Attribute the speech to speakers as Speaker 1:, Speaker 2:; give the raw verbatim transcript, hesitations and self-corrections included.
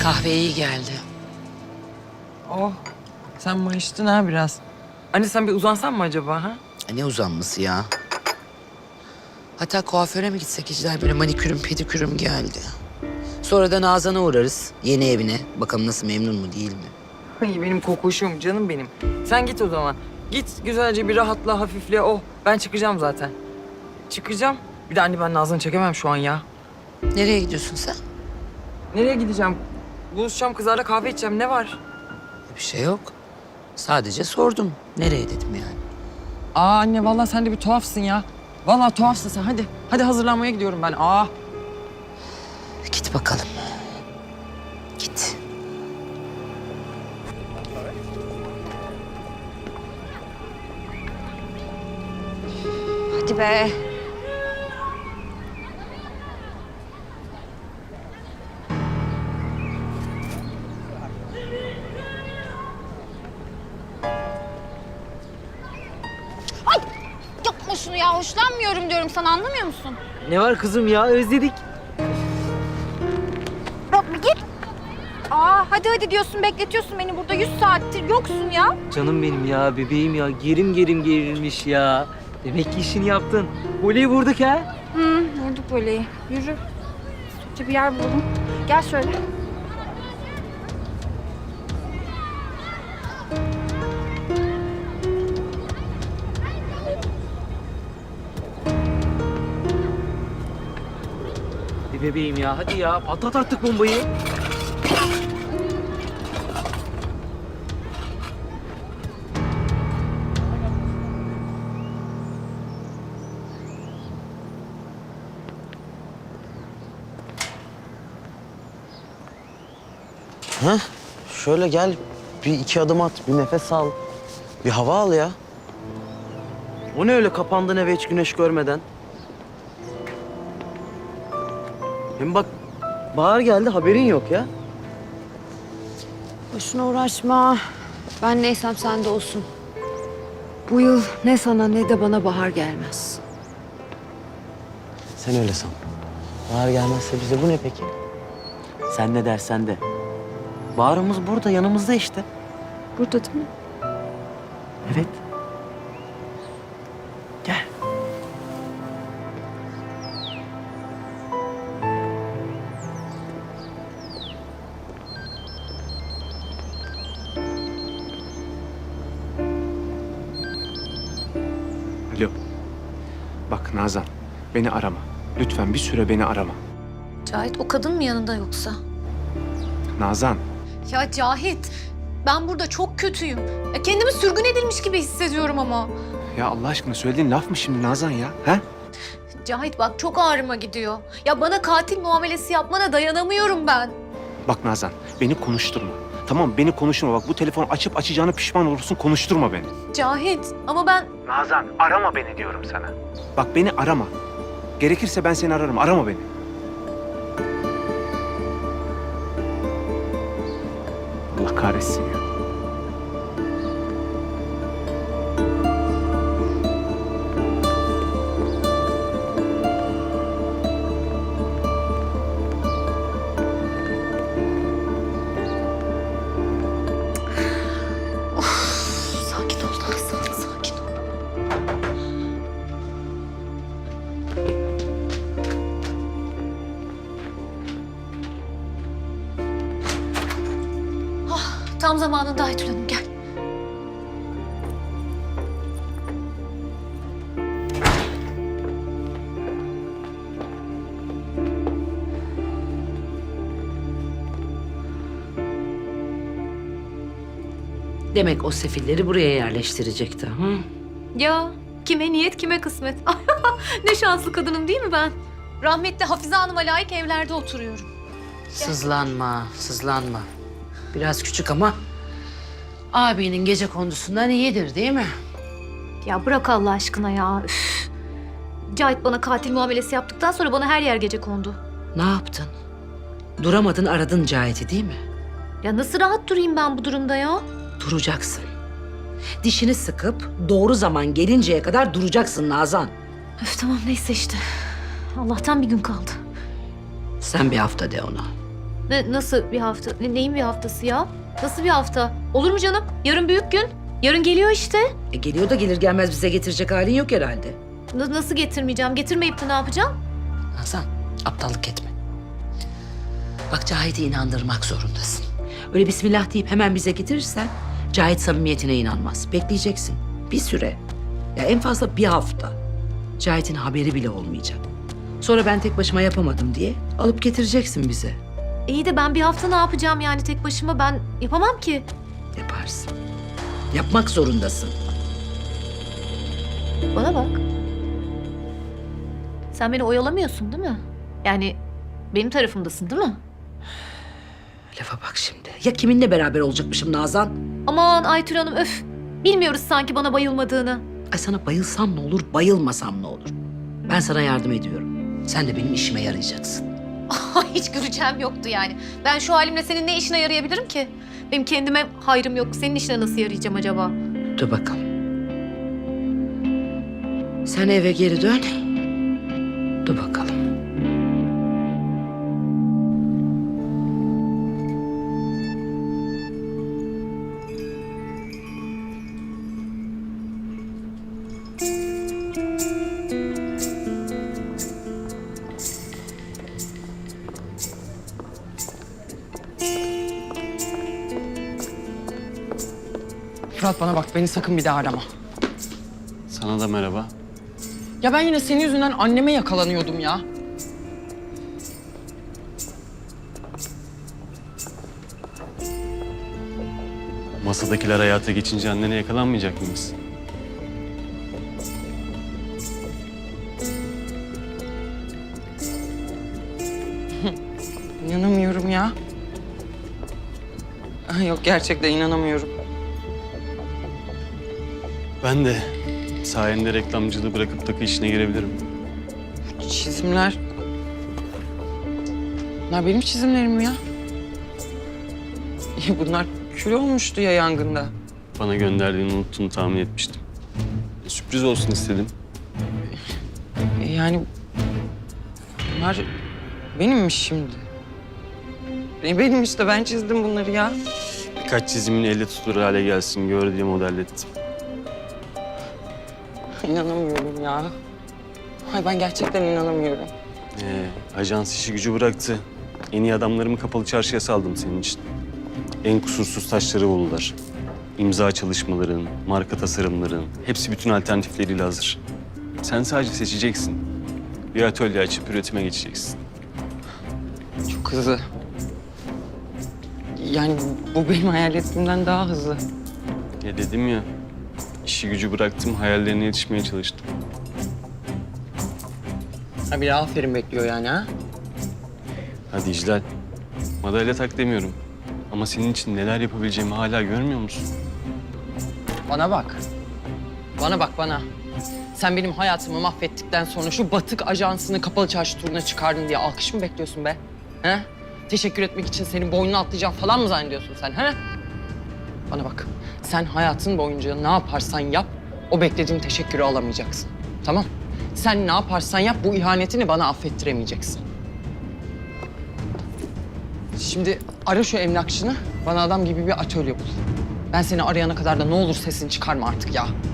Speaker 1: Kahve iyi geldi.
Speaker 2: Oh, sen mayıştın ha biraz. Anne sen bir uzansan mı acaba ha?
Speaker 1: Ne uzanması ya? Hatta kuaföre mi gitsek İclal? Böyle manikürüm, pedikürüm geldi. Sonra da Nazan'a uğrarız. Yeni evine. Bakalım nasıl, memnun mu değil mi?
Speaker 2: Ay benim kokuşum, canım benim. Sen git o zaman. Git güzelce bir rahatla, hafifle. Oh, ben çıkacağım zaten. Çıkacağım. Bir de anne ben Nazan'ı çekemem şu an ya.
Speaker 1: Nereye gidiyorsun sen?
Speaker 2: Nereye gideceğim? Buluşacağım kızlarla kahve içeceğim. Ne var?
Speaker 1: Bir şey yok. Sadece sordum. Nereye dedim yani.
Speaker 2: Aa anne vallahi sen de bir tuhafsın ya. Vallahi tuhafsın sen. Hadi. Hadi hazırlanmaya gidiyorum ben. Aa.
Speaker 1: Git bakalım. Git.
Speaker 3: Hadi be. Ay! Yapma şunu ya. Hoşlanmıyorum diyorum sana. Anlamıyor musun?
Speaker 4: Ne var kızım ya, özledik.
Speaker 3: Yok bir git. Aa hadi hadi diyorsun. Bekletiyorsun beni burada. Yüz saattir yoksun ya.
Speaker 4: Canım benim ya, bebeğim ya. Gerim gerim gerilmiş ya. Demek ki işini yaptın. Voleyi vurduk ha.
Speaker 3: Hı, vurduk böyle. Yürü. Sütçü bir yer bulalım. Gel şöyle.
Speaker 4: Bir bebeğim ya, hadi ya. Patlat artık bombayı.
Speaker 5: Ha? Şöyle gel, bir iki adım at, bir nefes al. Bir hava al ya. O ne öyle kapandın eve hiç güneş görmeden? Hem bak, bahar geldi haberin yok ya.
Speaker 6: Boşuna uğraşma. Ben neysem sen de olsun. Bu yıl ne sana ne de bana bahar gelmez.
Speaker 5: Sen öyle san. Bahar gelmezse bize bu ne peki? Sen ne dersen de. Baharımız burada, yanımızda işte.
Speaker 6: Burada değil mi?
Speaker 5: Evet. Gel.
Speaker 7: Alo. Bak Nazan, beni arama. Lütfen bir süre beni arama.
Speaker 8: Cahit o kadın mı yanında yoksa?
Speaker 7: Nazan,
Speaker 8: Ya Cahit, ben burada çok kötüyüm. Ya kendimi sürgün edilmiş gibi hissediyorum ama.
Speaker 7: ya Allah aşkına söylediğin laf mı şimdi Nazan ya? He?
Speaker 8: Cahit bak çok ağrıma gidiyor. Ya bana katil muamelesi yapmana dayanamıyorum ben.
Speaker 7: Bak Nazan, beni konuşturma. Tamam, beni konuşturma. Bak bu telefonu açıp açacağına pişman olursun, konuşturma beni.
Speaker 8: Cahit ama ben...
Speaker 7: Nazan, arama beni diyorum sana. Bak beni arama. Gerekirse ben seni ararım, arama beni. Allah kahretsin ya.
Speaker 8: Sakin ol Nazan, sakin ol. Ah, tam zamanında Aytül Hanım gel.
Speaker 1: Demek o sefilleri buraya yerleştirecekti. Hı?
Speaker 8: Ya kime niyet kime kısmet. Ne şanslı kadınım değil mi ben? Rahmetli Hafize Hanım'a layık evlerde oturuyorum.
Speaker 1: Sızlanma, sızlanma. Biraz küçük ama abinin gece kondusundan iyidir değil mi?
Speaker 8: Ya bırak Allah aşkına ya. Üf. Cahit bana katil muamelesi yaptıktan sonra bana her yer gece kondu.
Speaker 1: Ne yaptın? Duramadın, aradın Cahit'i değil mi?
Speaker 8: Ya nasıl rahat durayım ben bu durumda ya?
Speaker 1: Duracaksın. Dişini sıkıp doğru zaman gelinceye kadar duracaksın Nazan.
Speaker 8: Öf tamam neyse işte. Allah'tan bir gün kaldı.
Speaker 1: Sen bir hafta de ona.
Speaker 8: Ne, nasıl bir hafta? Ne, neyin bir haftası ya? Nasıl bir hafta? Olur mu canım? Yarın büyük gün. Yarın geliyor işte.
Speaker 1: E geliyor da gelir gelmez bize getirecek halin yok herhalde.
Speaker 8: Na- nasıl getirmeyeceğim? Getirmeyip de ne yapacağım?
Speaker 1: Nazan, aptallık etme. Bak Cahit'i inandırmak zorundasın. Öyle bismillah deyip hemen bize getirirsen Cahit samimiyetine inanmaz. Bekleyeceksin. Bir süre. Ya en fazla bir hafta. Cahit'in haberi bile olmayacak. Sonra ben tek başıma yapamadım diye alıp getireceksin bize.
Speaker 8: İyi de ben bir hafta ne yapacağım yani tek başıma? Ben yapamam ki.
Speaker 1: Yaparsın. Yapmak zorundasın.
Speaker 8: Bana bak. Sen beni oyalamıyorsun değil mi? Yani benim tarafımdasın değil mi?
Speaker 1: Lafa bak şimdi. Ya kiminle beraber olacakmışım Nazan?
Speaker 8: Aman Aytül Hanım öf. Bilmiyoruz sanki bana bayılmadığını.
Speaker 1: Ay sana bayılsam ne olur, bayılmasam ne olur? Ben sana yardım ediyorum. Sen de benim işime yarayacaksın.
Speaker 8: Hiç göreceğim yoktu yani. Ben şu halimle senin ne işine yarayabilirim ki? Benim kendime hayrım yok. Senin işine nasıl yarayacağım acaba?
Speaker 1: Dur bakalım. Sen eve geri dön. Dur bakalım.
Speaker 2: Fırat bana bak, beni sakın bir daha arama.
Speaker 7: Sana da merhaba.
Speaker 2: Ya ben yine senin yüzünden anneme yakalanıyordum ya.
Speaker 7: Masadakiler hayata geçince annene yakalanmayacak mıyız?
Speaker 2: İnanamıyorum ya. Ay, yok gerçekten inanamıyorum.
Speaker 7: Ben de sayende reklamcılığı bırakıp takı işine girebilirim.
Speaker 2: Çizimler... Bunlar benim çizimlerim mi ya? Bunlar kül olmuştu ya yangında.
Speaker 7: Bana gönderdiğini unuttuğunu tahmin etmiştim. E, sürpriz olsun istedim.
Speaker 2: E, Yani bunlar benimmiş şimdi. E, Benim işte, ben çizdim bunları ya.
Speaker 7: Birkaç çizimin elle tutulur hale gelsin gör diye modellettim.
Speaker 2: İnanamıyorum ya. Ay ben gerçekten inanamıyorum.
Speaker 7: Ee, ajans işi gücü bıraktı. En iyi adamlarımı kapalı çarşıya saldım senin için. En kusursuz taşları buldular. İmza çalışmaların, marka tasarımların, hepsi bütün alternatifleriyle hazır. Sen sadece seçeceksin. Bir atölye açıp üretime geçeceksin.
Speaker 2: Çok hızlı. Yani bu benim hayal ettiğimden daha hızlı.
Speaker 7: Ya dedim ya, işi gücü bıraktım, hayallerine yetişmeye çalıştım.
Speaker 2: Ha bir aferin bekliyor yani ha?
Speaker 7: Hadi İclal, madalya tak demiyorum. Ama senin için neler yapabileceğimi hala görmüyor musun?
Speaker 2: Bana bak. Bana bak bana. Sen benim hayatımı mahvettikten sonra şu batık ajansını kapalı çarşı turuna çıkardın diye alkış mı bekliyorsun be? He? Teşekkür etmek için senin boynunu atlayacağım falan mı zannediyorsun sen? He? Bana bak. Sen hayatın boyunca ne yaparsan yap, o beklediğin teşekkürü alamayacaksın. Tamam? Sen ne yaparsan yap, bu ihanetini bana affettiremeyeceksin. Şimdi ara şu emlakçını, bana adam gibi bir atölye bul. Ben seni arayana kadar da ne olur sesini çıkarma artık ya.